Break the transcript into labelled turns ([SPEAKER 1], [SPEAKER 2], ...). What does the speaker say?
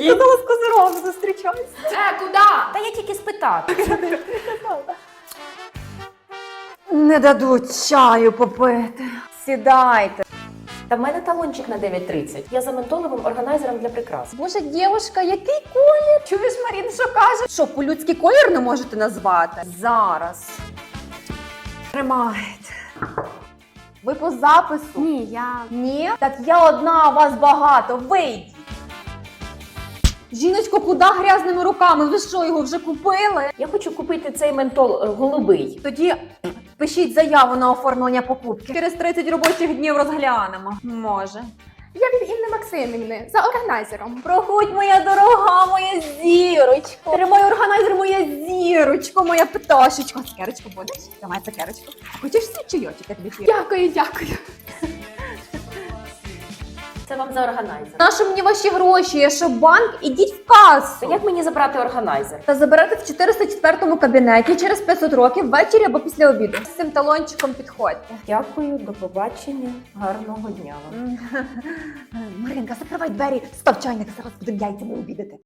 [SPEAKER 1] сказала, з козирогом зустрічаюсь.
[SPEAKER 2] Куди? Та я тільки спитати.
[SPEAKER 1] Не дадуть чаю попити. Сідайте.
[SPEAKER 2] Та в мене талончик на 9:30. Я за ментоловим органайзером для прикрас.
[SPEAKER 1] Боже, дівушка, який колір? Чуєш, Марін, що каже? Що, по-людськи колір не можете назвати? Зараз. Тримайте. Ви по запису?
[SPEAKER 3] Ні, я...
[SPEAKER 1] Ні? Так я одна, а вас багато. Вийдіть. Жіночко, куди грязними руками? Ви що, його вже купили?
[SPEAKER 2] Я хочу купити цей ментол голубий.
[SPEAKER 1] Тоді пишіть заяву на оформлення покупки. Через 30 робочих днів розглянемо. Може.
[SPEAKER 3] Я від Інни Максимівни за органайзером.
[SPEAKER 1] Проходь, моя дорога, моя зірочко. Тримай органайзер, моя зірочко, моя пташечко. Цукерочку будеш? Давай цукерочку. Хочеш свій чайочок, я тобі фір?
[SPEAKER 3] Дякую, дякую.
[SPEAKER 2] Це вам за органайзер.
[SPEAKER 1] Нащо мені ваші гроші? Я що, банк? Ідіть в касу.
[SPEAKER 2] Та як мені забрати органайзер?
[SPEAKER 1] Та заберете в 404 кабінеті через 500 років ввечері або після обіду. З цим талончиком підходьте.
[SPEAKER 2] Дякую, до побачення. Гарного дня вам.
[SPEAKER 1] Маринка, закривай двері, став чайник, зараз будемо яйцями обідати.